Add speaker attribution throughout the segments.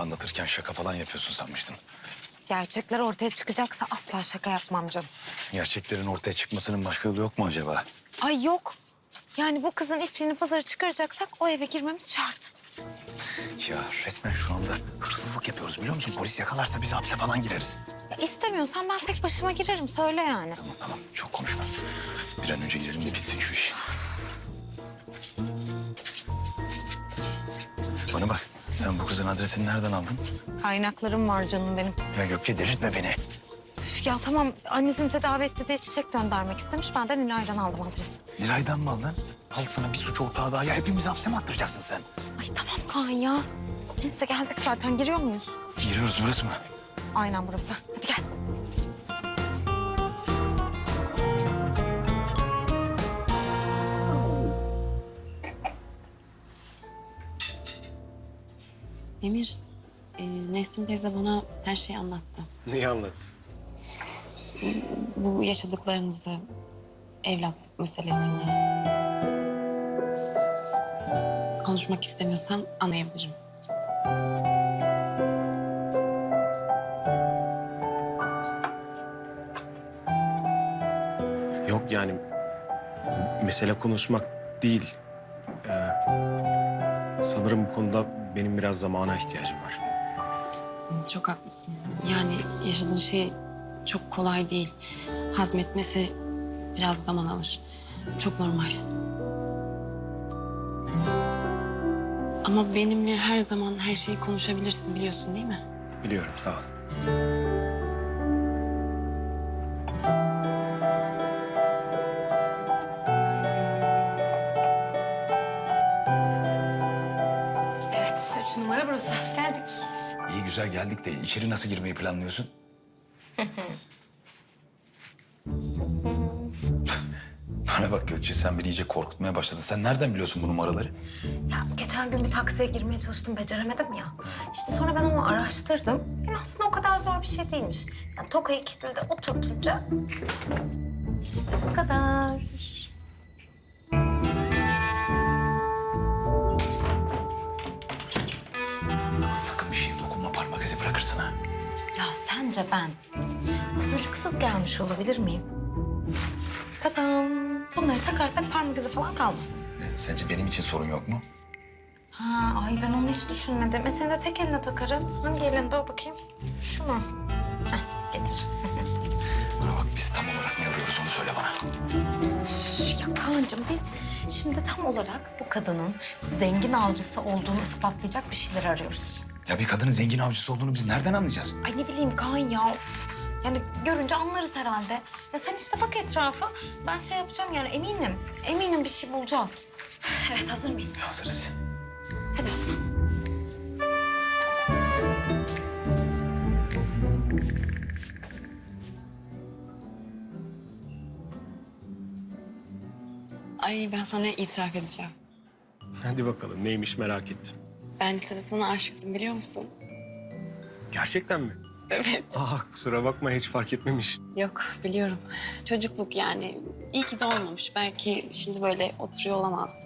Speaker 1: Anlatırken şaka falan yapıyorsun sanmıştım.
Speaker 2: Gerçekler ortaya çıkacaksa asla şaka yapmam canım.
Speaker 1: Gerçeklerin ortaya çıkmasının başka yolu yok mu acaba?
Speaker 2: Ay yok. Yani bu kızın ipliğini pazara çıkaracaksak o eve girmemiz şart.
Speaker 1: Ya resmen şu anda hırsızlık yapıyoruz biliyor musun? Polis yakalarsa biz hapse falan gireriz.
Speaker 2: Ya istemiyorsan ben tek başıma girerim. Söyle yani.
Speaker 1: Tamam tamam çok konuşma. Bir an önce girelim de bitsin şu iş. Bana bak sen bu kızın adresini nereden aldın?
Speaker 2: Kaynaklarım var canım benim.
Speaker 1: Ya Gökçe delirtme beni.
Speaker 2: Üf, ya tamam annesini tedavi etti diye çiçek göndermek istemiş. Ben de Nilay'dan aldım adresi.
Speaker 1: Nilay'dan mı aldın? Al sana bir suç ortağı daha. Ya hepimizi hapse mi attıracaksın sen?
Speaker 2: Ay tamam Kaan ya. Neyse geldik zaten. Giriyor muyuz?
Speaker 1: Giriyoruz burası mı?
Speaker 2: Aynen burası. Hadi gel.
Speaker 3: Emir, Nesrin teyze bana her şeyi anlattı.
Speaker 4: Neyi anlattı?
Speaker 3: Bu yaşadıklarınızı, evlatlık meselesini. Konuşmak istemiyorsan anlayabilirim.
Speaker 4: Yok yani mesele konuşmak değil. Sanırım bu konuda benim biraz zamana ihtiyacım var.
Speaker 3: Çok haklısın. Yani yaşadığın şey çok kolay değil. Hazmetmesi biraz zaman alır. Çok normal. Ama benimle her zaman her şeyi konuşabilirsin biliyorsun değil mi?
Speaker 4: Biliyorum sağ ol.
Speaker 2: Evet 3 numara burası. Geldik.
Speaker 1: İyi güzel geldik de içeri nasıl girmeyi planlıyorsun? Bana bak Gökçe sen beni iyice korkutmaya başladın. Sen nereden biliyorsun bu numaraları?
Speaker 2: Ya geçen gün bir taksiye girmeye çalıştım, beceremedim ya. İşte sonra ben onu araştırdım. Yani aslında o kadar zor bir şey değilmiş. Yani Tokay'ı kilitli oturtunca... işte bu kadar.
Speaker 1: Ama sakın bir şeye dokunma parmak izi bırakırsın ha.
Speaker 2: Ya sence ben hazırlıksız gelmiş olabilir miyim? Tadam. Bunları takarsak parmak izi falan kalmaz.
Speaker 1: Sence benim için sorun yok mu?
Speaker 2: Ha, ay ben onu hiç düşünmedim. Seni de tek eline takarız. Hangi elinde o bakayım? Şu mu? Heh, getir.
Speaker 1: Bana bak biz tam olarak ne arıyoruz onu söyle bana.
Speaker 2: Ya Kaan'cığım biz şimdi tam olarak bu kadının zengin avcısı olduğunu ispatlayacak bir şeyler arıyoruz.
Speaker 1: Ya bir kadının zengin avcısı olduğunu biz nereden anlayacağız?
Speaker 2: Ay ne bileyim Kaan ya. Of. Yani görünce anlarız herhalde. Ya sen işte bak etrafa. Ben şey yapacağım yani eminim. Eminim bir şey bulacağız. Evet hazır mıyız?
Speaker 1: Hazırız.
Speaker 2: Hadi o zaman.
Speaker 3: Ay ben sana itiraf edeceğim.
Speaker 4: Hadi bakalım neymiş merak ettim.
Speaker 3: Ben lisede sana aşıktım biliyor musun?
Speaker 4: Gerçekten mi?
Speaker 3: Evet.
Speaker 4: Kusura bakma hiç fark etmemiş.
Speaker 3: Yok biliyorum. Çocukluk yani. İyi ki de olmamış. Belki şimdi böyle oturuyor olamazdım.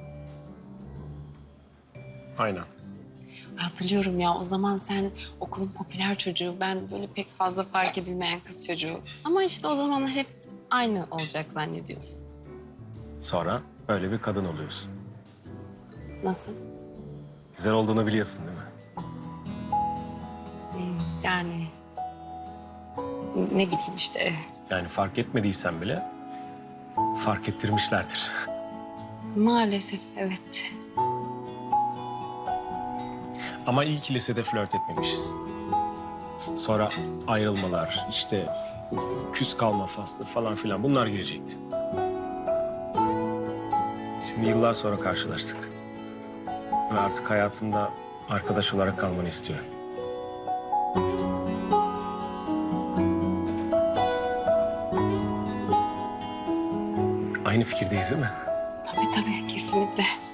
Speaker 4: Aynen.
Speaker 3: Hatırlıyorum ya o zaman sen okulun popüler çocuğu. Ben böyle pek fazla fark edilmeyen kız çocuğu. Ama işte o zamanlar hep aynı olacak zannediyorsun.
Speaker 4: Sonra öyle bir kadın oluyorsun.
Speaker 3: Nasıl?
Speaker 4: Güzel olduğunu biliyorsun değil mi?
Speaker 3: Yani ne bileyim işte.
Speaker 4: Yani fark etmediysen bile fark ettirmişlerdir.
Speaker 3: Maalesef evet.
Speaker 4: Ama iyi ki lisede flört etmemişiz. Sonra ayrılmalar, işte küs kalma faslı falan filan bunlar girecekti. Şimdi yıllar sonra karşılaştık. Ve artık hayatımda arkadaş olarak kalmanı istiyorum. Aynı fikirdeyiz değil mi?
Speaker 3: Tabii kesinlikle.